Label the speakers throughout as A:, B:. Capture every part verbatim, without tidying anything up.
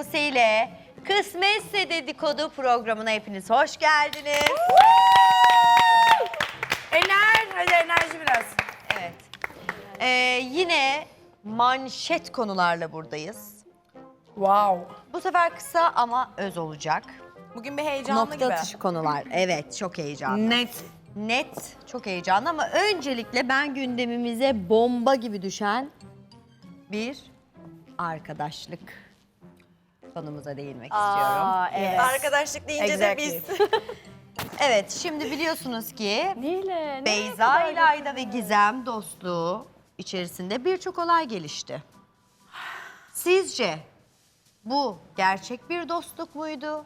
A: Buse ile Kısmetse Dedikodu programına hepiniz hoş geldiniz.
B: Ener, hadi enerji biraz.
A: Evet. Ee, yine manşet konularla buradayız.
B: Wow.
A: Bu sefer kısa ama öz olacak.
C: Bugün bir heyecanlı
A: Nokta
C: gibi.
A: atışı konular. Evet, çok heyecanlı.
B: Net.
A: Net, çok heyecanlı ama öncelikle ben gündemimize bomba gibi düşen bir arkadaşlık konumuza değinmek istiyorum.
C: Evet. Arkadaşlık deyince de biz.
A: Evet, şimdi biliyorsunuz ki
D: Neyle?
A: Beyza, İlayda ve Gizem dostluğu içerisinde birçok olay gelişti. Sizce bu gerçek bir dostluk muydu?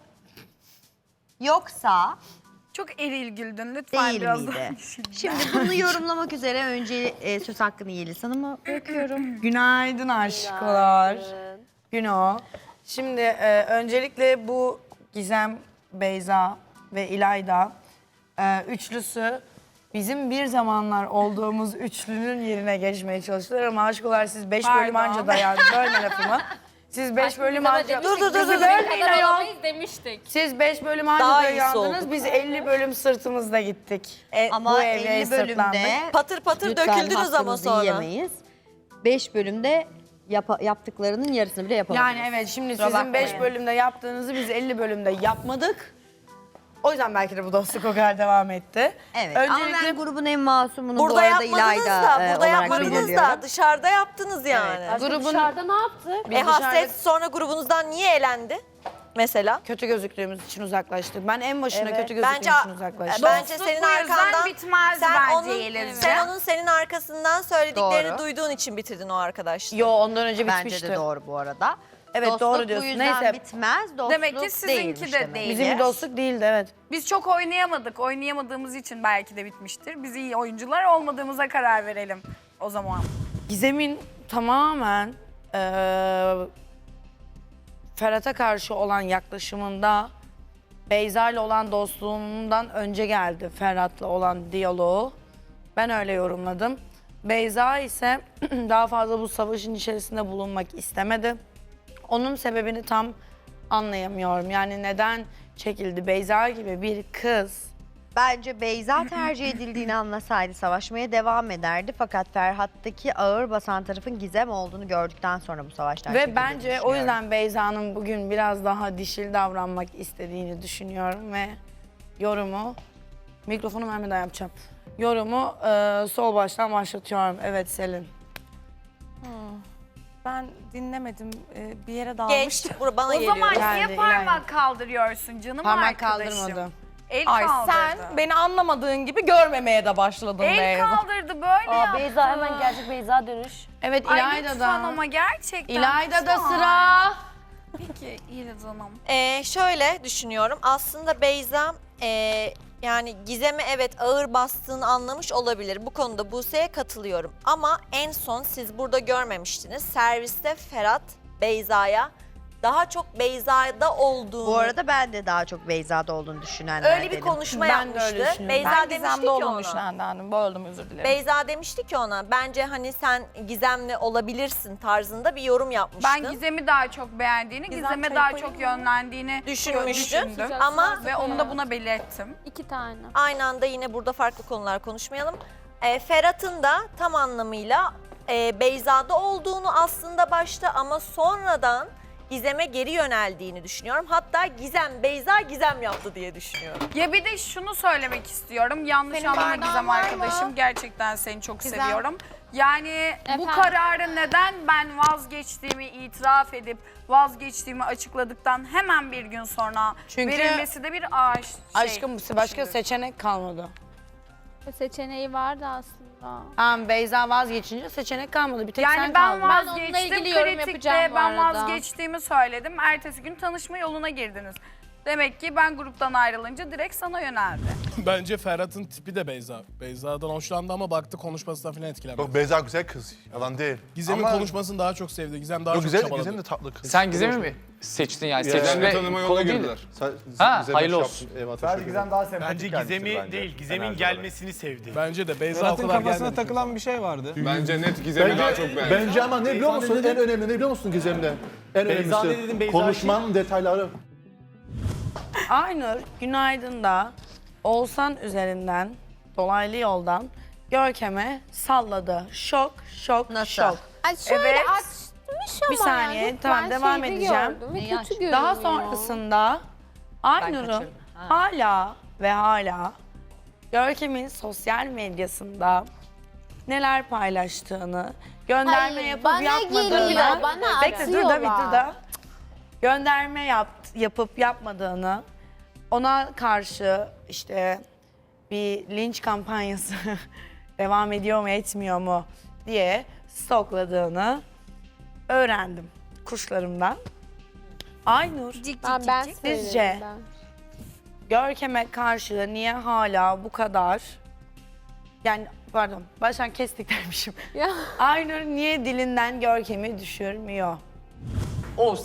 A: Yoksa
B: Çok eril güldün lütfen
A: değil
B: biraz
A: miydi?
B: daha.
A: Şimdi bunu yorumlamak üzere önce e, söz hakkını Yeliz Hanım'a bırakıyorum.
B: Günaydın aşklar. Güno. Şimdi e, öncelikle bu Gizem, Beyza ve İlayda e, üçlüsü bizim bir zamanlar olduğumuz üçlünün yerine geçmeye çalıştılar ama aşklar siz beş bölüm anca dayandı. Bölme lafımı. Siz beş bölüm anca...
C: Dur dur dur dur.
B: Bölmeyin ayol.
D: demiştik.
B: Siz beş bölüm anca
C: Daha iyisi
B: dayandınız.
C: oldu.
B: Biz elli bölüm sırtımızda gittik.
C: E,
A: Ama
B: Bu evliye
A: elli bölümde
B: sırtlandık.
C: patır patır
A: lütfen
C: döküldünüz ama
A: hakkınızı
C: sonra.
A: yiyemeyiz. beş bölümde yapa- yaptıklarının yarısını bile yapamadınız.
B: Yani evet şimdi
A: Kusura
B: sizin beş
A: bakmayın.
B: bölümde yaptığınızı biz elli bölümde yapmadık. O yüzden belki de bu dostluk o kadar devam etti.
A: Evet ama ben grubun en masumunu bu
C: Burada
A: arada
C: yapmadınız
A: İlayda
C: da,
A: e,
C: burada
A: olarak
C: yapmadınız
A: belirliyorum.
C: da dışarıda yaptınız yani.
D: Aşkım
B: Grubun-
D: dışarıda ne yaptık?
B: Biz
C: E
B: dışarıda
C: hasret sonra grubunuzdan niye elendi? Mesela.
B: kötü gözüktüğümüz için uzaklaştık. Ben en başına
C: Evet.
B: kötü gözüktüğüm
C: Bence-
B: için uzaklaştım.
C: Bence senin arkandan
B: bitmez
C: sen onun, sen onun senin arkasından söylediklerini
A: Doğru.
C: duyduğun için bitirdin o arkadaşlığı.
B: Yo ondan önce
A: Bence
B: bitmişti.
A: de doğru bu arada.
B: Evet,
A: dostluk
B: doğru
A: bu
B: diyorsun.
A: yüzden
B: Neyse.
A: bitmez. Dostluk
E: Demek ki sizinki
A: değilmiş
E: de
A: demek.
E: değil.
B: Bizim bir dostluk değildi evet.
E: Biz çok oynayamadık. Oynayamadığımız için belki de bitmiştir. Biz iyi oyuncular olmadığımıza karar verelim o zaman.
B: Gizem'in tamamen eee Ferhat'a karşı olan yaklaşımında Beyza ile olan dostluğundan önce geldi Ferhat'la olan diyaloğu. Ben öyle yorumladım. Beyza ise daha fazla bu savaşın içerisinde bulunmak istemedi. Onun sebebini tam anlayamıyorum. Yani neden çekildi? Beyza gibi bir kız
A: Bence Beyza tercih edildiğini anlasaydı savaşmaya devam ederdi. Fakat Ferhat'taki ağır basan tarafın Gizem olduğunu gördükten sonra bu savaştan
B: ve
A: çekildiğini
B: bence o
A: düşünüyorum.
B: yüzden Beyza'nın bugün biraz daha dişil davranmak istediğini düşünüyorum ve yorumu mikrofonu vermeden yapacağım. Yorumu e, sol baştan başlatıyorum. Evet Selin.
F: Ben dinlemedim. Ee, bir yere
C: Geç.
F: dalmıştım.
C: Bura bana
E: O
C: geliyor.
E: zaman
B: Yani,
E: niye parmak kaldırıyorsun canım
B: Parmak
E: arkadaşım?
B: kaldırmadı.
E: El
F: Ay
E: kaldırdı.
F: sen beni anlamadığın gibi görmemeye de başladın
E: El
F: Beyza.
E: kaldırdı böyle
D: Aa,
E: yaptı.
D: Beyza hemen gerçek Beyza dönüş.
B: Evet
E: Ay
B: İlayda
E: lütfen
B: da.
E: ama gerçekten.
B: İlayda da
E: lütfen.
B: sıra.
E: Peki İlayda Hanım.
C: Ee, şöyle düşünüyorum. Aslında Beyza e, yani Gizem'e evet ağır bastığını anlamış olabilir. Bu konuda Buse'ye katılıyorum. Ama en son siz burada görmemiştiniz. Serviste Ferhat Beyza'ya daha çok Beyza'da olduğunu...
A: Bu arada ben de daha çok Beyza'da olduğunu düşünenlerdenim.
C: öyle bir konuşma
F: Ben de öyle
C: yapmıştı.
F: düşünüyorum.
C: Beyza
F: ben
C: demişti
F: Gizem'de
C: ki
F: olduğunu
C: ona.
F: düşünenlerdim. Böldüm özür dilerim.
C: Beyza demişti ki ona bence hani sen Gizem'le olabilirsin tarzında bir yorum yapmıştın.
E: Ben Gizem'i daha çok beğendiğini,
C: Gizem
E: Gizem'e
C: çayı
E: daha
C: koyayım
E: çok
C: mı?
E: yönlendiğini
C: Düşünmüştün.
E: düşündüm.
C: Ama
E: Ve onu da buna belirttim.
D: İki tane.
C: aynı anda yine burada farklı konular konuşmayalım. E, Ferhat'ın da tam anlamıyla e, Beyza'da olduğunu aslında başta ama sonradan Gizem'e geri yöneldiğini düşünüyorum. Hatta Gizem, Beyza Gizem yaptı diye düşünüyorum.
E: Ya bir de şunu söylemek istiyorum. Yanlış
F: Senin
E: anlama
F: bardağın
E: Gizem
F: var mı?
E: arkadaşım. Gerçekten seni çok
F: Gizem.
E: seviyorum. Yani bu
D: Efendim?
E: kararı neden ben vazgeçtiğimi itiraf edip vazgeçtiğimi açıkladıktan hemen bir gün sonra
B: Çünkü-
E: verilmesi de bir ağaç şey.
B: Aşkım başka
E: düşündüm.
B: seçenek kalmadı.
D: Seçeneği vardı aslında.
B: Tamam Beyza vazgeçince seçenek kalmadı. Bir tek
E: Yani
B: sen
E: ben
B: kaldın.
D: Ben onunla
E: vazgeçtim.
D: ilgili yorum
E: Kritikte
D: yapacağım bu
E: ben
D: arada.
E: vazgeçtiğimi söyledim. Ertesi gün tanışma yoluna girdiniz. Demek ki ben gruptan ayrılınca direkt sana yöneldi.
G: Bence Ferhat'ın tipi de Beyza. Beyza'dan hoşlandı ama baktı konuşmasından falan etkilenmedi.
H: Yok Beyza güzel kız. Yalan değil.
G: Gizem'in
H: Ama-
G: konuşmasını daha çok sevdi. Gizem daha
H: Yok
G: çok
H: güzel,
G: çabaladı.
H: Gizem de tatlı kız.
I: Sen Gizem'i mi seçtin yani?
H: Ya,
I: Seçme
J: tanıma yoluna
I: konu değil.
J: girdiler.
I: Ha, hayırlı olsun.
H: Bence Gizem daha
K: Bence Gizem'i değil, Gizem'in gelmesini sevdi.
G: Bence de Beyza o
J: Ferhat'ın
G: kadar
J: kafasına
G: gelmedi.
J: takılan bir şey vardı.
K: Bence net Gizem'i daha çok beğendi.
H: Bence ama ne biliyor musun? En önemli ne biliyor musun Gizem'de? En
J: Beyza
H: önemlisi
J: ne dedin, Beyza
H: konuşmanın detayları.
B: Aynur Günaydın'da Oğuzhan üzerinden dolaylı yoldan Görkem'e salladı. Şok, şok,
A: Nasıl?
B: şok.
D: Ay şöyle
B: Evet.
D: açmış ama
B: Bir saniye,
D: yani.
B: tamam,
D: Ben
B: devam
D: şeyde
B: edeceğim.
D: gördüm ve kötü görünüyor.
B: Daha sonrasında Aynur'un hala ve hala Görkem'in sosyal medyasında neler paylaştığını, gönderme
D: Hayır,
B: yapıp
D: bana
B: yapmadığını...
D: geliyor, bana
B: Bekle, dur da bir dur
D: atıyorlar.
B: da. Gönderme yap, yapıp yapmadığını, ona karşı işte bir linç kampanyası devam ediyor mu etmiyor mu diye stokladığını öğrendim kuşlarımdan. Aynur,
D: Ben, ben
B: Sizce?
D: söyledim ben.
B: Görkem'e karşı niye hala bu kadar, yani pardon baştan kestik dermişim.
D: Ya.
B: Aynur niye dilinden Görkem'i düşürmüyor?
I: O